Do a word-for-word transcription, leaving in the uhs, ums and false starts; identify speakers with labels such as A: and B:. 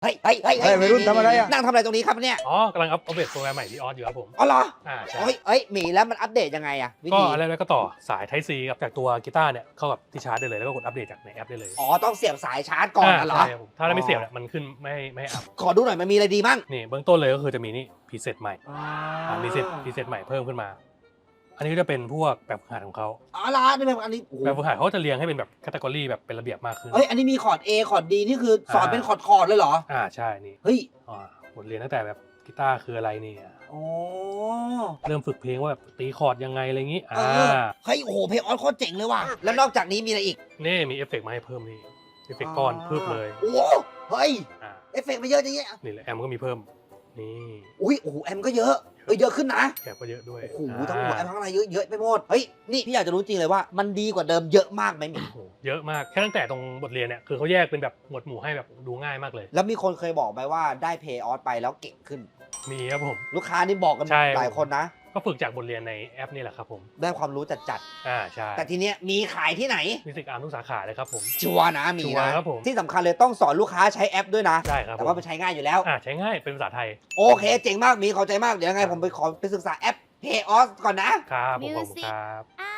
A: เฮ้ยเฮ้ยเฮ้ย
B: เฮ้ยวัยรุ่นทำอะไรอะ
A: นั่งทำอะไรตรงนี้ครับเนี่ย
C: อ๋อกำลังอัปเดตโปรแกรมใหม่ที่ออสอยู่ครับผม
A: อ๋อเหรอ
C: อ่าใช่
A: เฮ้ยเฮ้ยหมีแล้วมันอัปเดตยังไงอะวิ
C: ก็
A: ธี
C: อะไรแล้วก็ต่อสาย Type C กับจากตัวกีตาร์เนี่ยเข้ากับที่ชาร์จได้เลยแล้วก็กดอัปเดตจากในแอปได้เลย
A: อ๋อต้องเสียบสายชาร์จก่อนนะเหรอ
C: ใช่ครับผมถ้าเราไม่เสียบเนี่ยมันขึ้นไม่ให้ไม่ให้อัพ
A: ขอดูหน่อยมันมีอะไรดีบ้าง
C: นี่เบื้องต้นเลยก็คือจะมีนี่พรีเซตใหม่อ่ามีเซตพรีเซตใหม่เพิ่มขึ้นมา อันนี้ก็จะเป็นพวกแบบฝึกหัดของเขา
A: อ๋อละนี่แบบอันนี้โอ้โห
C: แบบฝึกหัดเขาก็จะเรียงให้เป็นแบบแคตตากรีแบบเป็นระเบียบมากขึ้น
A: เฮ้ยอันนี้มีคอร์ด A คอร์ด D นี่คือสอน
C: อ่า
A: เป็นคอร์ดคอร์ดเลยเหรอ
C: อ่าใช่นี่
A: เฮ้ย
C: อ่าบทเรียนตั้งแต่แบบกีตาร์คืออะไรนี่อ่ะ
A: อ๋อ
C: เริ่มฝึกเพลงว่าแบบตีคอร์ดยังไงอะไรอย่างงี้
A: เอ
C: อ่า
A: อเฮ้ยโอ้โหเพลงออสโคตรเจ๋งเลยว่ะแล้วนอกจากนี้มีอะไรอีก
C: นี่มีเอฟเฟกต์มาให้เพิ่มนี่เอฟเฟกต์ก้อนเพิ่มเลย
A: โอ้โหเฮ้ย
C: อ่า
A: เอฟเฟกต์มาเยอะจังเนี่ย
C: นี่แหละแอมก็มีเพิ่มนี่
A: อุ้ยโอ้โหแอมก็เยอะเอ้ยเยอะขึ้นนะ
C: แกะก็เยอะด้วย
A: โอ้โหทั้งหมดแอมทั้งอะไรเยอะเยอะไปหมดเฮ้ยนี่พี่อยากจะรู้จริงเลยว่ามันดีกว่าเดิมเยอะมากไหมหมี
C: โอ้โหเยอะมากแค่ตั้งแต่ตรงบทเรียนเนี่ยคือเขาแยกเป็นแบบหมวดหมู่ให้แบบดูง่ายมากเลย
A: แล้วมีคนเคยบอกไหมว่าได้เพย์ออสไปแล้วเก่งขึ้น
C: มีครับผม
A: ลูกค้านี่บอกกัน
C: ใช่
A: หลายคนนะ
C: ก็ฝึกจากบทเรียนในแอปนี่แหละครับผม
A: ได้ความรู้จัด
C: อ่าใช่
A: ๆแต่ทีเนี้ยมีขายที่ไหน
C: มิวสิกอาร์มทุกสาขาเลยครับผม
A: ชัวร์นะมี
C: ชัวร์
A: นะครับ
C: ผม
A: ที่สำคัญเลยต้องสอนลูกค้าใช้แอปด้วยนะ
C: ใช่ครับ
A: แต่ว่ามันใช้ง่ายอยู่แล้ว
C: อ่าใช้ง่ายเป็นภาษาไทย
A: โอเคเจ๋งมากมีเข้าใจมากเดี๋ยวยังไงผมไปขอไปศึกษาแอป เพย์ออส ก่อนนะ
C: ครับผมขอบคุณ
D: Music
C: ครับ
D: อ่ะ